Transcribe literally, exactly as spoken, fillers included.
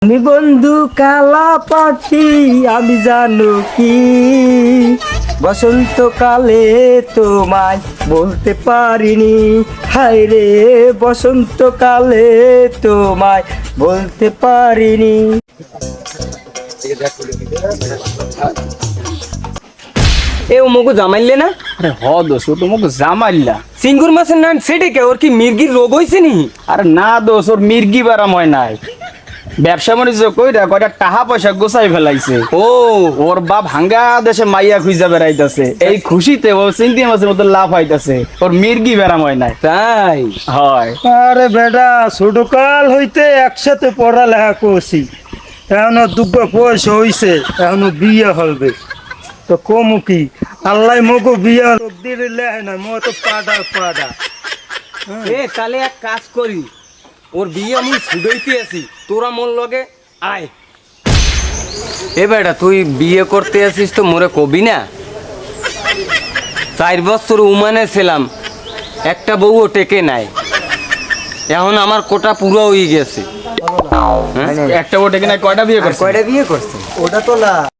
আমি বন্ধু কালা পাখি আমি জানো কি বসন্তকালে তোমায় বলতে পারিনি, হায় রে বসন্তকালে তোমায় বলতে পারিনি। এ ও মগু জামাইলে না? আরে হ দোষ ও তোমাকে জামাইলা। সিঙ্গুর মাছের নাম সেটে কে? ওর কি মির্গির রোগ হয়েছে নি? আরে না দোষ, ওর মির্গি বারাম হয় নাই, ব্যবসা বাণিজ্য কইরা কয়টা টাকা পয়সা গোছাই ফেলাইছে। ও ওর বাপ হাঙ্গা দেশে মাইয়া খুঁজা বেড়াইতেছে, এই খুশিতে ও চিংড়ি মাছের মতো লাভ হইতাছে, ওর মির্গি বেরাম হয় নাই। তাই? হয়। আরে বেটা ছোটকাল হইতে একসাথে পড়ালেখা করছি, এখনো দুঃখ বয়স হইছে, এখনো বিয়ে হবে তো কমু কি? আল্লাহ মগো বিয়ে দিলে লেহে না, মো তো পাডা পাডা। এ তাহলে এক কাজ করি, ওর বিয়ে আমি ছুটাইতে আছি, তোরা মোর লগে আয়। এ বেটা তুই বিয়ে করতে আসিস তো মোরে কবি না? চার বছর উমানে ছিলাম, একটা বউও টেকে নাই, এখন আমার কোটা পুরো হয়ে গেছে। একটা ওটা কিনা কয়টা বিয়ে করছে? কয়টা বিয়ে করছে? ওটা তো না